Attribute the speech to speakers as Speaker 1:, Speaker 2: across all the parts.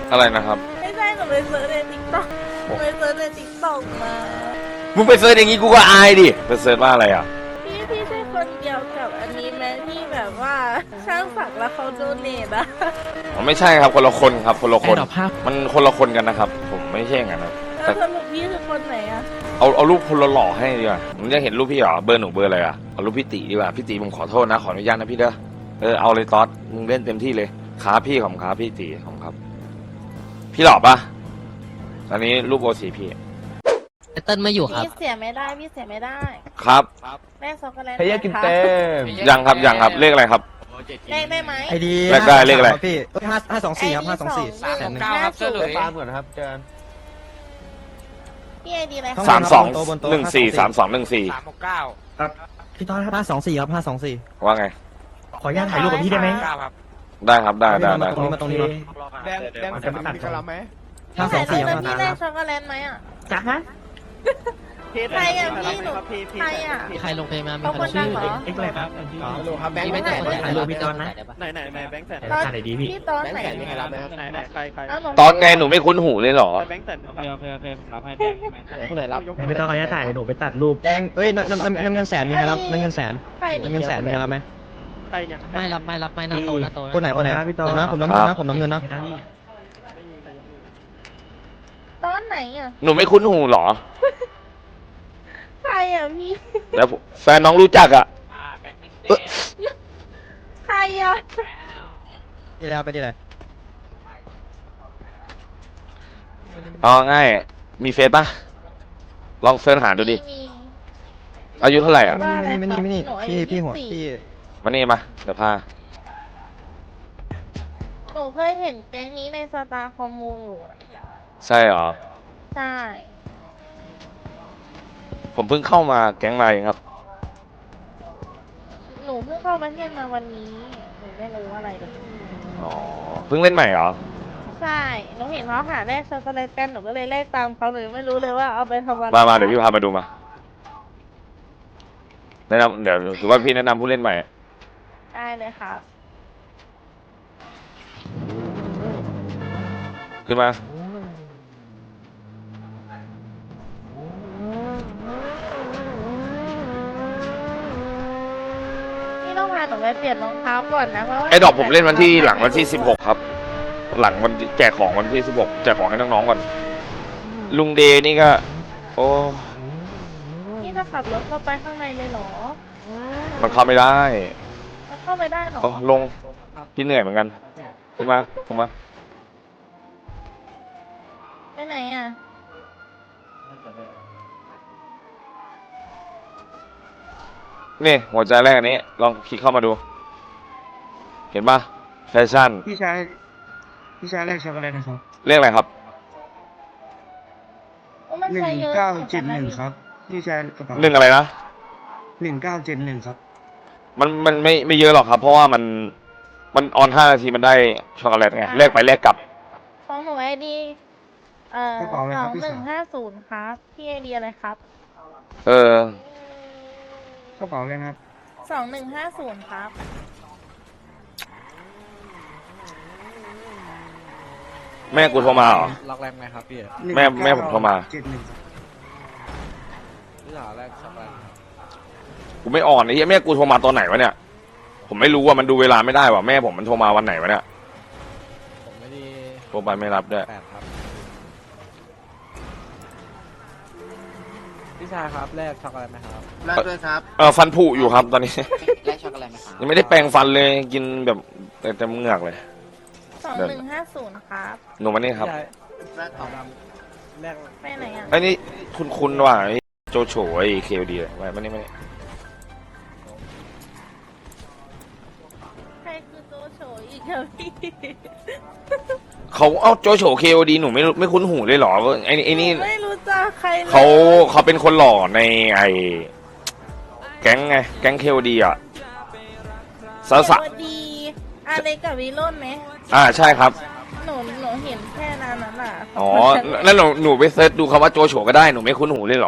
Speaker 1: อะไรนะครับ
Speaker 2: ไม่ใช่หนูไปเซิร์ชในติ๊กต็อกไปเซิร์ชในติ๊กต็อกมา
Speaker 1: มึงไปเซิร์ชอย่างงี้กูก็อายดิไปเซิร์ชว่าอะไรอ่ะ
Speaker 2: พี่ใช่คนเดียวกับอันนี้ไหมที่แบบว่าช่างสักแล้วเขาโดเนทอะ
Speaker 1: อ๋อไม่ใช่ครับคนละคนครับคนละคนมันคนละคนกันนะครับผมไม่ใช่อย่างนั้นนะ
Speaker 2: แล้วสรุปพี่คือคนไหนอะ
Speaker 1: เอารูปคนหล่อๆให้ดีกว่ามึงจะเห็นรูปพี่เหรอเบอร์หนูเบอร์อะไรอ่ะเอารูปพี่ตีดีกว่าพี่ตีผมขอโทษนะขออนุญาตนะพี่เด้อเอาเลยต๊อดมึงเล่นเต็มที่เลยขาพี่ของขาพี่ตีของครับพี่หล่อปะตอนนี้รูปโอซีพี่
Speaker 3: เติ้ลไม่อยู่ครับ
Speaker 2: พี่เสียไม่ได้พี่เสียไม่ได้
Speaker 1: ครับ
Speaker 2: แม่ช็อกโกแลต
Speaker 4: เฮียกินเต็ม
Speaker 1: ยังครับยังครับเลขอะไรครับ
Speaker 2: เลขได้ไหม
Speaker 5: ไอดี
Speaker 1: เลขได้เลขอะไร
Speaker 5: พี่524ครับ524
Speaker 2: 329ครับเจ้าหลุย
Speaker 4: ฟาร์มก่อนนะครับเจอกัน
Speaker 2: พี่ไอดีอะไร
Speaker 1: 3214
Speaker 5: พี่ต้อนครับ524ครับ524
Speaker 1: ว่าไง
Speaker 5: ขออนุญาตถ่ายรูปกับพี่ได้ไหม
Speaker 1: ได้ครับได้
Speaker 5: มาตรงนี้มา
Speaker 4: แดงแสนมีกะลาไหม
Speaker 5: 524ครับ
Speaker 2: พี่ได้ช็อกโกแลตไหมอ่ะ
Speaker 5: จ้าฮะ
Speaker 2: ใครอ่ะพี่หนูใครอ่ะ
Speaker 3: ใครลงเพลงมามี
Speaker 2: เขา
Speaker 3: ใค
Speaker 2: ค
Speaker 3: ร
Speaker 2: นดังเหรอ
Speaker 5: เอ็กเลยครับ
Speaker 4: โลครับแบงค์
Speaker 3: ไม่
Speaker 4: แส
Speaker 3: แต่
Speaker 4: น
Speaker 3: คนถ่ายรูปพี่ต้นนะ
Speaker 4: ไหนแบงค์แสน
Speaker 2: ตอน
Speaker 5: ไหนดีพี่
Speaker 2: พี่ตอนไหน
Speaker 4: ยังไงรับไหนใคร
Speaker 1: ตอนไงหนูไม่คุ้นหูเลยเหรอ
Speaker 4: แบงค์แสนโอเครับให้แบงค์คนไหนรับ
Speaker 5: ไม่ต้องขออนุญาตถ่ายหนูไปตัดรูปแดงเอ้ยน้ำเงินแสนมีใครรับน้ำเงินแสนน้ำเงินแสนมีใครรับไหม
Speaker 4: ใครเนี่ย
Speaker 3: ไม่รับหน้าโต
Speaker 5: คนไหนพี่ต้นนะผมน้ำเงินนะผมน้ำเงินนะ
Speaker 2: ตอนไหนอ่ะ
Speaker 1: หนูไม่คุ้นหูเหรอ
Speaker 2: ใครอ่ะพี่
Speaker 1: แล้วแฟนน้องรู้จักอ่ะ
Speaker 2: ใครอ่ะ
Speaker 5: ที่แล้วไปที่ไหน
Speaker 1: เอาง่ายมีเฟซป่ะลองเสิร์ชหาดูดิอายุเท่าไหร่อ่ะ
Speaker 5: ไม่นี่พี่หัวพี่
Speaker 1: มานี่มาเดี๋ยวพา
Speaker 2: หนูเคยเห็นแก๊งนี้ในสตาร์คอมมูน
Speaker 1: ใช่เหรอ
Speaker 2: ใช่
Speaker 1: ผมเพิ่งเข้ามาแก๊งไลน์ครับ
Speaker 2: หนูเพิ่งเข้าประเทศมาวันนี้หนูไม่รู้อะไรเลย
Speaker 1: อ๋อเพิ่งเล่นใหม่เหรอ
Speaker 2: ใช่หนูเห็นเขาหาแลกช็อกโกแลตกันหนูก็เลยแลกตามเขาหนูไม่รู้เลยว่าเอาไปทำอะไร
Speaker 1: มาเดี๋ยวพี่พามาดูมาแนะนำเดี๋ยวถือว่าพี่แนะนำผู้เล่นใหม่
Speaker 2: ได้เลยครับ
Speaker 1: ขึ้นมา
Speaker 2: ต้องพาหนูไปเปลี่ยนรองเท้าก่อนนะเพราะว่า
Speaker 1: ไอ้ดอกผมเล่นวันที่หลังวันที่16ครับหลังวันแจกของวันที่16แจกของให้น้องๆก่อนลุงเดนี่ก็โอ้
Speaker 2: นี่ถ้าขับรถเข้าไปข้างในเลยเหรอ
Speaker 1: มันเข้าไม่ได้
Speaker 2: มันเข้าไม่ได้หรอ
Speaker 1: ลงพี่เหนื่อยเหมือนกันขึ้นมา
Speaker 2: ไปไหนอ่ะ
Speaker 1: นี่หัวใจแรกอันนี้ลองคลิกเข้ามาดูเห็นปะแฟชั่น
Speaker 5: พี่ชายแรกช็อกโกแลตนะครับ
Speaker 1: เรียกอะไรครับ
Speaker 5: 1971ครับพี่ชายกระเป๋า
Speaker 1: 1อะไรนะ
Speaker 5: 1971ครับ
Speaker 1: มันไม่เยอะหรอกครับเพราะว่ามันออน5 นาทีมันได้ช็อกโกแลตไงแลกไปแลกกลับ
Speaker 2: ของหนูไอดี2150ครับพี่ไอดีอะไรครับ
Speaker 5: กระเป๋าเลยครับ
Speaker 2: 2150ครับ
Speaker 1: แม่กูโทรมาเหรอ
Speaker 4: ล็อกแรมไหมครับพี่
Speaker 1: แม่ผมโทรมา
Speaker 4: พี่หาแรกช็อกโกแลต
Speaker 1: กูไม่อ่อนไอ้เหี้ยแม่กูโทรมาตอนไหนวะเนี่ยผมไม่รู้ว่ามันดูเวลาไม่ได้ว่ะแม่ผมมันโทรมาวันไหนวะเนี่ย
Speaker 4: ผมไม่ได้
Speaker 1: โทรไปไม่รับด้วย
Speaker 4: พี่ชายครับแรกช็อกโกแลตไหมครับ
Speaker 5: แรกด้วยครับ
Speaker 1: ฟันผุอยู่ครับตอนนี้
Speaker 4: แรกช็อกโกแลตไหมครับ
Speaker 1: ยังไม่ได้แปรงฟันเลยกินแบบแต่เหงือกเลย
Speaker 2: 2150ครับ
Speaker 1: หนูมานี่ครับ
Speaker 4: แรกเอาแรก
Speaker 2: ไปไหนอ่ะ
Speaker 1: ไอ้นี่คุณว่ะโจโฉไอ้เคลดีไม่นี่
Speaker 2: ใครคือโจโฉอีกครับพี่
Speaker 1: เขาเอาโจโฉเคลดีหนูไม่คุ้นหูเลยเหรอไอ้นี่
Speaker 2: ไม่รู้จักใครเลย
Speaker 1: เขาเป็นคนหล่อในไอ้แก๊งไงแก๊งเคลดีอ่ะสาว
Speaker 2: ดีอะไรกับวิโรจน์ไหม
Speaker 1: ใช่ครับ
Speaker 2: หนูเห็นแค่นั้นน่ะ
Speaker 1: อ๋อแล้วหนูไปเซิร์ชดูคำว่าโจโฉก็ได้หนูไม่คุ้นหูเลยเหรอ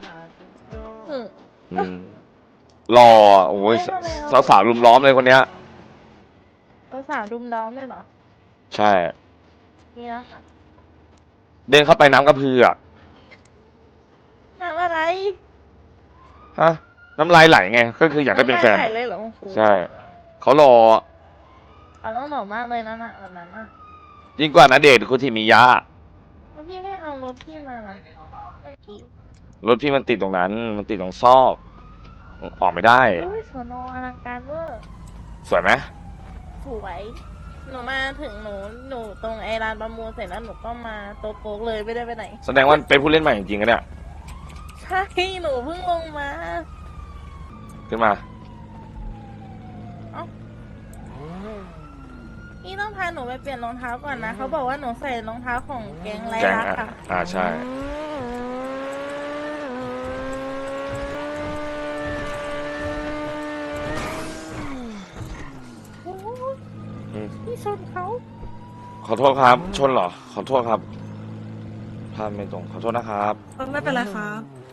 Speaker 1: หล่อโอ้ยสาวรุมล้อมเลยคนเนี้ย
Speaker 2: สาวรุมล้อมเลยเหรอ
Speaker 1: ใช่
Speaker 2: เนี่ยค่ะ
Speaker 1: เดินเข้าไปน้ำกระเพื่อ
Speaker 2: น้ำอะไร
Speaker 1: ฮะน้ำลายไหลไงก็คืออยากได้เป็นแฟน
Speaker 2: ไม่ได้เลยเหรอครู
Speaker 1: ใช่เขารอ
Speaker 2: เอาต้องหล่อมากเลยนะน่ะแบบนั้นอ่ะ
Speaker 1: ยิ่งกว่าณเดชน์คุทิมิยะ
Speaker 2: แล้วพี่ไม่เอารถพี่มาล่ะเมื่อกี้
Speaker 1: รถพี่มันติดตรงนั้น มันติดตรงซอกออกไม่ได้
Speaker 2: อุ้ยสวนอลังการเวอร์
Speaker 1: สวยไหม
Speaker 2: สวยหนูมาถึงหนูตรงไอ้ร้านประมูลเสร็จแล้วหนูก็มาโต๊ะโป๊กเลยไม่ได้ไปไหน
Speaker 1: แสดงว่าเป็นผู้เล่นใหม่จริงๆนะเนี่ย
Speaker 2: ใช่หนูเพิ่งลงมา
Speaker 1: ขึ้นมา
Speaker 2: พี่ต้องพาหนูไปเปลี่ยนรองเท้าก่อนนะเขาบอกว่าหนูใส่รองเท้าของแก๊งไร
Speaker 1: แก๊ง
Speaker 2: ลัก
Speaker 1: อ่ะ
Speaker 2: ค่ะ
Speaker 1: ใช่
Speaker 2: โอ้ย
Speaker 1: อืม
Speaker 2: พี่ชนเขา
Speaker 1: ขอโทษครับ ชนเหรอ ขอโทษครับภาพไม่ตรง ขอโทษนะครับ
Speaker 6: ไม่เป็นไรครับ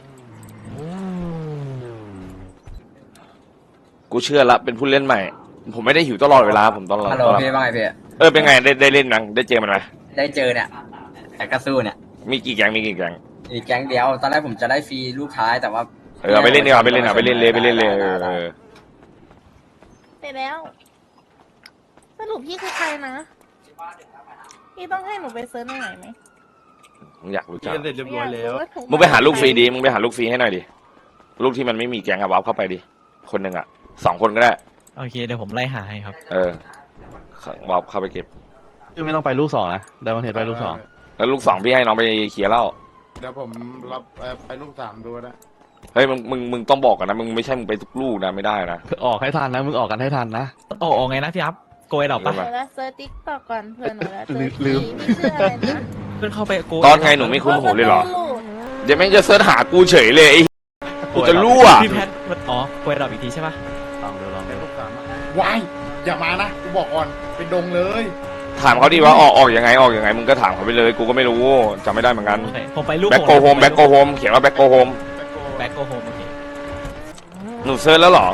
Speaker 1: กูเชื่อละเป็นผู้เล่นใหม่ ผมไม่ได้หิวตลอดเวลา ผมตลอด
Speaker 7: ฮัลโหลพี่ว่าไงพี่
Speaker 1: เป็นไงได้เล่นนังได้เจอมันไหม
Speaker 7: ได้เจอเนี่ยแต่กระสู้เนี่ย
Speaker 1: มีกี่แก๊งมีกี่แก๊ง
Speaker 7: อีกแก๊งเดียว ตอนแรกผมจะได้ฟรีลูกท้ายแต่ว่า
Speaker 1: เอาไปเล่นดีกว่าไปเล่นเอาไปเล่นเลยไปเล่นเลยเออ
Speaker 2: ไปแล้ว สรุปพี่คือใครนะ พี่ต้องให้หนูไปเซิร์ชในไหนไหม
Speaker 1: มึงอยากรู้จัก
Speaker 4: เสร็จเรียบร้อยแล้ว
Speaker 2: าถูก
Speaker 1: มึงไปหาลูกฟรีดิมึงไปหาลูกฟรีให้หน่อยดิลูกที่มันไม่มีแก๊งอะวับเข้าไปดิคนหนึ่งอะ2 คนก็ได้
Speaker 5: โอเคเดี๋ยวผมไล่หาให้ครับ
Speaker 1: วับเข้าไปเก็บ
Speaker 5: คือไม่ต้องไปลูก 2นะไดมอนเทสไปลูก
Speaker 1: แล้วลูก 2พี่ให้น้องไปเคลียร์แล้ว
Speaker 8: เดี๋ยวผมรับไปลูกสามดูนะ
Speaker 1: เฮ้ยมึงต้องบอกกันนะมึงไม่ใช่มึงไปทุกลูกนะไม่ได้นะ
Speaker 5: 2ออกให้ทันนะมึงออกกันให้ทันนะออกไงนะพี่อัพโกยดอกปะ
Speaker 2: หนูจะเซิร์ชติ๊กต็อกก่อนเผื่อหนูจะเจอ
Speaker 5: ลืม
Speaker 2: พี่ชื่ออะไรนะ
Speaker 5: เพื่อนเข้าไปโกย
Speaker 1: ตอนไงหนูไม่คุ้นหูเลยเหรอเดี๋ยวแม่งจะเสิร์ชหากูเฉยเลยไอ้กูจะรั่ว
Speaker 5: พี่แพทโกยดอกอีกทีใช่ปะลองดู
Speaker 8: ไปลูกสามวายอย่ามานะกูบอกก่อนเป็นดงเลย
Speaker 1: ถามเขาดิว่าออกยังไงมึงก็ถามเขาไปเลยกูก็ไม่รู้จำไม่ได้เหมือนกัน
Speaker 5: โอเคผมไปลูก
Speaker 1: แบ็คโกโฮมเขียนว่าแบ็คโกโฮม
Speaker 5: แบ็คโกโฮมโอเค
Speaker 1: หนูเซิร์ชแล้วเหรอ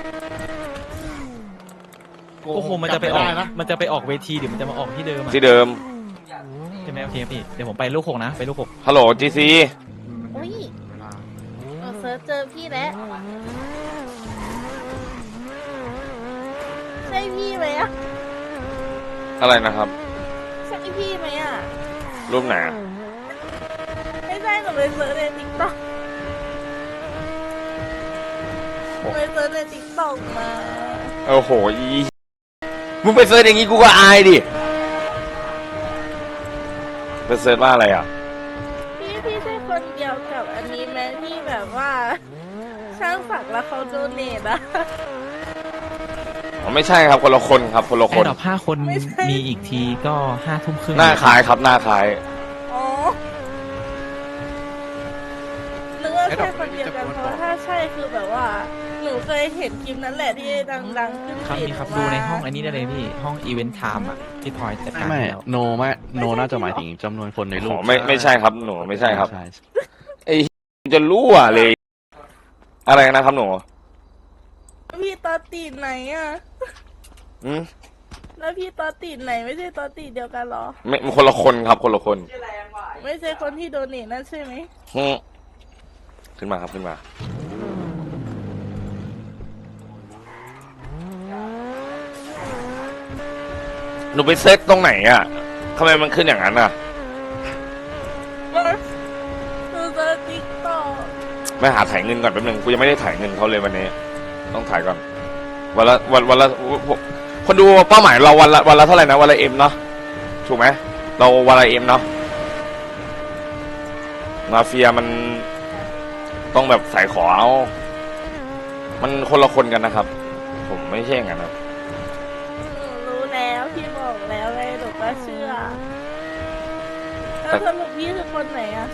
Speaker 5: โกโฮมมันจะไปออกเวทีหรือมันจะมาออกที่เดิมอะ
Speaker 1: ที่เดิม
Speaker 5: ใช่ไหมโอเคพี่เดี๋ยวผมไปลูก 6นะไปลูก
Speaker 1: ฮัลโหลจีซี
Speaker 2: อุ้ยหนูเซิร์ชเจอพี่แล้วใช่พี่ไหมอะ
Speaker 1: อะไรนะครับ
Speaker 2: ใช่พี่ไหมอะ
Speaker 1: รูปไหนอะ
Speaker 2: ไม่ใช่หนูไปเซิร์ชในติ๊กต็อกไปเซิร์ชในติ๊กต็อกมา
Speaker 1: โอ้โหมึงไปเซิร์ชอย่างงี้กูก็อายดิไปเซิร์ชว่าอะไรอ่ะ
Speaker 2: พี่ใช่คนเดียวกับอันนี้ไหมที่แบบว่า ช่างสักแล้วเขาโดเนทอะ
Speaker 1: อ๋อไม่ใช่ครับคนละคนครับคนละ
Speaker 5: ๆ
Speaker 1: ค
Speaker 5: แค่
Speaker 1: น
Speaker 5: ดอก5 คนมีอีกทีก็5 ทุ่มครึ่ง
Speaker 1: หน้าคล้ายครับหน้าคล้าย
Speaker 2: อ๋อนึกว่าใช่คนเดียวกันเพราะถ้าใช่คือแบบว่า หนูเคยเห็นคลิปนั้นแหละที่ดังๆขึ้น
Speaker 5: ครับมีครับดูในห้องอันนี้ได้เลยพี่ห้องอีเวนต์ไทม์อะที่พลอยจัดการ
Speaker 9: ไม่
Speaker 5: แล้ว
Speaker 9: โนน่าจะหมายถึงจำนวนคนในรู
Speaker 1: อ๋
Speaker 9: ป
Speaker 1: อไม่ใช่ครับหนูไม่ใช่ครับ
Speaker 9: ใช่
Speaker 1: จะรั่วเลย อะไรนะครับหนู
Speaker 2: พี่ตอตีดไหนอะ
Speaker 1: อืม
Speaker 2: แล้วพี่ตอตีดไหนไม่ใช่ตอตีดเดียวกันเหรอ
Speaker 1: ไม่คนละคนครับคนละคน
Speaker 2: ไม่ใช่คนที่โดเนทนั่นใช่ไหม
Speaker 1: ฮึขึ้นมาครับขึ้นมา หนูไปเซตตรงไหนอ่ะทำไมมันขึ้นอย่างนั้นอ่ะ
Speaker 2: หนูเจอติ๊กต็อก
Speaker 1: ไม่หาถ่ายเงินก่อนแป๊บนึงกูยังไม่ได้ถ่ายเงินเขาเลยวันนี้ ต้องถ่ายก่อนวันละคนดูเป้าหมายเราวันละเท่าไหร่นะวันละเอ็มเนาะถูกไหมเราวันละเอ็มเนาะมาเฟียมันต้องแบบใส่ขอเอามันคนละคนกันนะครับ ผมไม่ใช่อย่างนั้นครับ
Speaker 2: หนูรู้แล้วพี่บอกแล้วไงหนูก็เชื่อแล้วสรุปพี่คือคนไหนอะ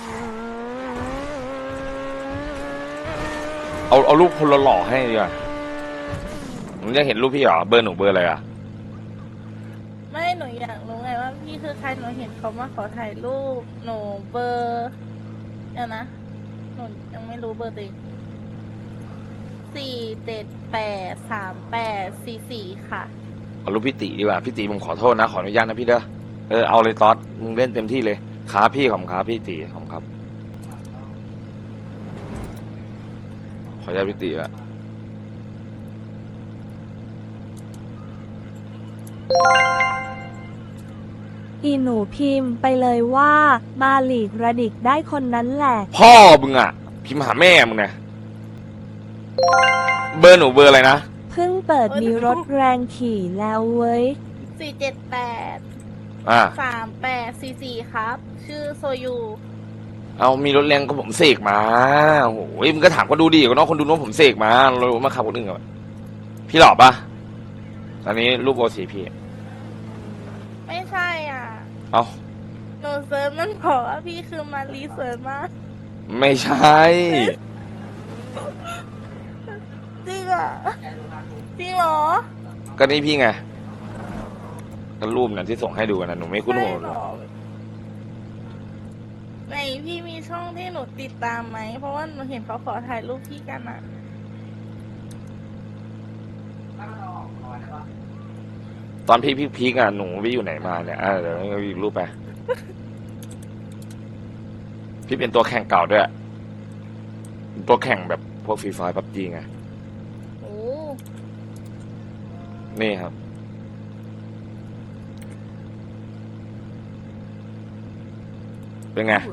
Speaker 1: เอารูปคนหล่อๆให้ดีกว่าผมจะเห็นรูปพี่เหรอเบอร์หนูเบอร์อะไรอ่ะ
Speaker 2: ไม่หนูอยากรู้ไงว่าพี่คือใครหนูเห็นเขามาขอถ่ายรูปหนูเบอร์เดี๋ยวนะหนูยังไม่รู้เบอร์ตัวเอง4783844ค่ะ
Speaker 1: เอารูปพี่ตีดีกว่าพี่ตีผมขอโทษนะขออนุญาตนะพี่เด้อเอาเลยต๊อดมึงเล่นเต็มที่เลยครับพี่ของครับพี่ตีของครับขออนุญาตพี่ตีละ
Speaker 6: อีหนูพิมพ์ไปเลยว่ามาหลีกระดิกได้คนนั้นแหละ
Speaker 1: พ่อมึงอ่ะพิมพ์หาแม่มึงนะเบอร์หนูเบอร์อะไรนะ
Speaker 6: เพิ่งเปิดมีรถแรงขี่แล้วเว้ย
Speaker 2: 478
Speaker 1: อ่า
Speaker 2: 3844ครับ ชื่อโซยู
Speaker 1: เอามีรถแรงก็ผมเสกมาโอ้โหมึงก็ถามก็ดูดีก็น้องคนดูน้องผมเสกมาเรามาขับคนอื่นกันพี่หล่อปะตอนนี้รูปโอสีพี่
Speaker 2: ไม่ใช่อ่ะ
Speaker 1: เอา
Speaker 2: หนูเซิร์ชมันบอกว่าพี่คือมารีเซิร์ชมาก
Speaker 1: ไม่ใช่
Speaker 2: จริงอ่ะจริงเหรอ
Speaker 1: ก็นี่พี่ไงก็รูปนั้นที่ส่งให้ดูกันนะหนูไม่คุ้นหัว
Speaker 2: ไม่หรอกไหนพี่มีช่องที่หนูติดตามไหม เพราะว่าหนูเห็นเขาขอถ่ายรูปพี่กันอ่ะ
Speaker 1: ตอนพี่พีกอ่ะหนูไปอยู่ไหนมาเนี่ยเดี๋ยวเอาอีกรูปไป พี่เป็นตัวแข่งเก่าด้วยตัวแข่งแบบพวกฟรีไฟพับจีไง
Speaker 2: โอ้
Speaker 1: นี่ครับ เป็นไง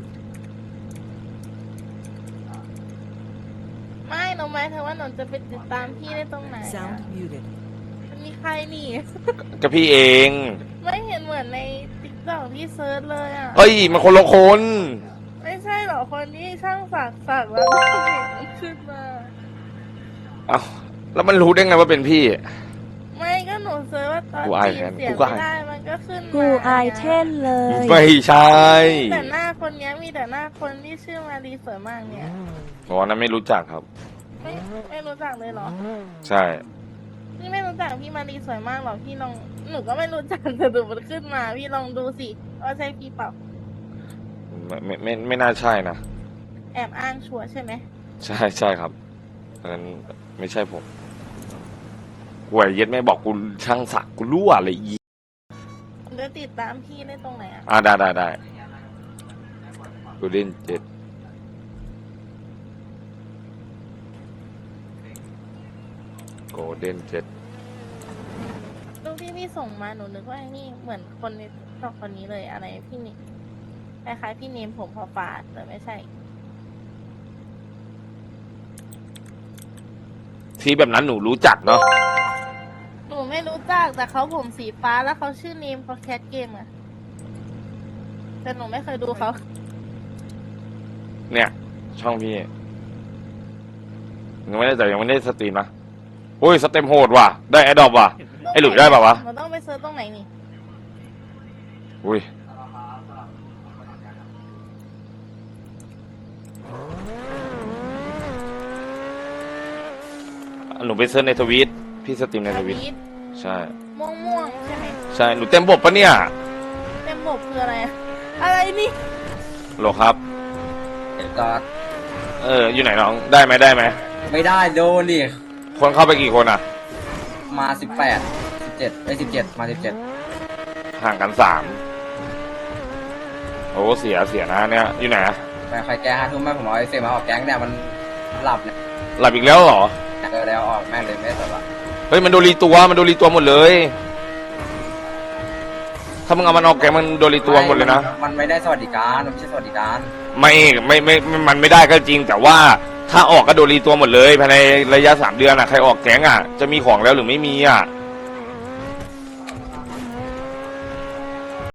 Speaker 2: ไม่หนูหมายถึงว่าหนูจะไปติดตามพี่ได้ตรงไหนอะมันมีใครนี่
Speaker 1: ก็พี่เอง
Speaker 2: ไม่เห็นเหมือนในติ๊กต็อกที่เซิร์ชเลยอ่ะ
Speaker 1: เฮ้ยมันคนละคน
Speaker 2: ไม่ใช่หรอคนที่ช่างสักแล้วก็เห็นมันขึ้นมา
Speaker 1: เอ้าแล้วมันรู้ได้ไงว่าเป็นพี่
Speaker 2: ไม่ก็หนูเซิร์ชว่าตอน
Speaker 1: กูอาย
Speaker 2: จี
Speaker 1: แท
Speaker 2: บ
Speaker 1: น
Speaker 2: เสีย
Speaker 1: กู
Speaker 2: ง
Speaker 1: ก็
Speaker 2: ไม่
Speaker 1: อาย
Speaker 2: ได้มันก็ขึ้นมา
Speaker 6: กูอายเช่นเลย
Speaker 1: ไม่ใช่
Speaker 2: แต่หน้าคนเนี้ยมีแต่หน้าคนที่ชื่อมารีสวยมากเนี่ย
Speaker 1: อ๋อนั้นไม่รู้จักครับ
Speaker 2: ไม่รู้จักเลยเหรอ
Speaker 1: ใช่
Speaker 2: พี่ไม่รู้จักพี่มารีสวยมากหรอพี่ลองหนูก็ไม่รู้จักแต่ดูมันขึ้นมา พี่ลองดูสิว่าใช่พี่เปล่า
Speaker 1: ไม่น่าใช่นะ
Speaker 2: แอบอ้างชัวร์ใช่ไหม
Speaker 1: ใช่ครับงั้นไม่ใช่ผมหวยเย็ดไม่บอกกูช่างสักกูรั่วเลยอี
Speaker 2: เดี๋ยวติดตามพี่ได้ตรงไหนอ่ะ
Speaker 1: ได้กูเล่น7โกลเด้น7
Speaker 2: รูปที่พี่ส่งมาหนูนึกว่าไอ้นี่เหมือนคนในตอกคนนี้เลยอะไรพี่นี่คล้ายๆพี่เนมผมพอฟาดแต่ไม่ใช่
Speaker 1: ที่แบบนั้นหนูรู้จักเนาะ
Speaker 2: หนูไม่รู้จักแต่เขาผมสีฟ้าแล้วเขาชื่อเนมเขาแคทเกมอะแต่หนูไม่เคยดูเขา
Speaker 1: เนี่ย ช่องพี่ยังไม่ได้สตรีมนะโอ้ยสเต็มโหดว่ะได้แอดดอปว่ะ ไอ้หลุยได้ป่าวะ
Speaker 2: หนูต้องไปเซิร์ชตรงไหนนี่
Speaker 1: อุ้ยหนูไปเซิร์ชในทวีตพี่สตรีมในทวีตใช่
Speaker 2: ม่วงๆใช่ไหม
Speaker 1: ใช่หนูเต็มบบปะเนี่ย
Speaker 2: เต็มบบคืออะไรอะอะไรนี่
Speaker 1: โหลครับ
Speaker 7: เดี๋ยวก็
Speaker 1: อยู่ไหนน้องได้ไหม
Speaker 7: ไม่ได้โดนดิ
Speaker 1: คนเข้าไปกี่คนอ่ะ
Speaker 7: มา17มา17
Speaker 1: ห่างกัน3โอ้เสียนะเนี่ยอยู่ไหนอะ
Speaker 7: ไปใครแก5 ทุ่มแม่ผมเอาไอ้เซมาออกแก๊งเนี่ยมันหลับเนี่ย
Speaker 1: หลับอีกแล้วเหรอ
Speaker 7: แล้วออกแม่งเลยไม่ได้สบาย
Speaker 1: เฮ้ยมันโดนรีตัวหมดเลย ถ้ามึงเอามันออกแกมันโดนรีตัวหมดเลยนะ
Speaker 7: มันไม่ได้สวัสดิการมันไม่ใช่สวัสดิการ
Speaker 1: ไม่มันไม่ได้ก็จริง แต่ว่าถ้าออกก็โดนรีตัวหมดเลยภายในระยะ3 เดือนอ่ะใครออกแก๊งอ่ะจะมีของแล้วหรือไม่มีอ่ะ